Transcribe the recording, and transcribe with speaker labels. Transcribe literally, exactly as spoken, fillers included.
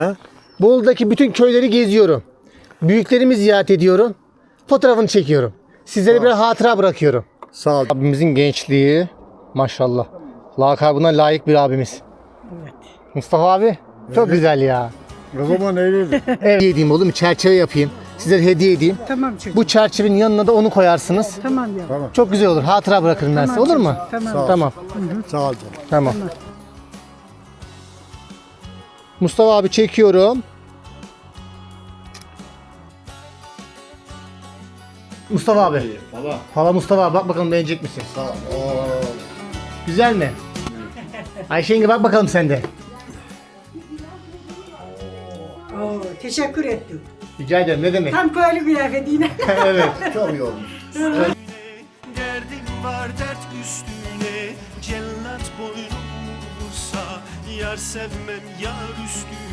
Speaker 1: Bolu'daki bütün köyleri geziyorum. Büyüklerimi ziyaret ediyorum. Fotoğrafını çekiyorum. Sizlere bir hatıra bırakıyorum.
Speaker 2: Sağ ol.
Speaker 1: Abimizin gençliği maşallah. Lakabına layık bir abimiz.
Speaker 3: Evet.
Speaker 1: Mustafa abi çok güzel ya.
Speaker 2: Babama neyleydi?
Speaker 1: Evet. Edeyim oğlum, çerçeve yapayım. Sizlere hediye edeyim.
Speaker 3: Tamam çocuğum.
Speaker 1: Bu çerçevenin yanına da onu koyarsınız.
Speaker 3: Tamam ya.
Speaker 2: Tamam.
Speaker 1: Çok güzel olur. Hatıra bırakırım ben size.
Speaker 3: Tamam
Speaker 1: Olur mu?
Speaker 3: çocuğum, Tamam.
Speaker 1: Tamam.
Speaker 2: Sağ ol canım.
Speaker 1: Tamam. Mustafa abi çekiyorum. Mustafa abi.
Speaker 2: Valla.
Speaker 1: Hala Mustafa abi, bak bakalım beğenecek misin?
Speaker 2: Sağ ol.
Speaker 1: Güzel mi? Ayşe yenge bak bakalım sen de.
Speaker 3: Oo, teşekkür ettim.
Speaker 1: Rica ederim, ne demek?
Speaker 3: Tam köylü kıyafetiyle.
Speaker 1: Evet.
Speaker 2: Çok iyi olmuş.
Speaker 4: Derdim var dert üstüne, cellat boynum vursa, yar sevmem yar üstüne.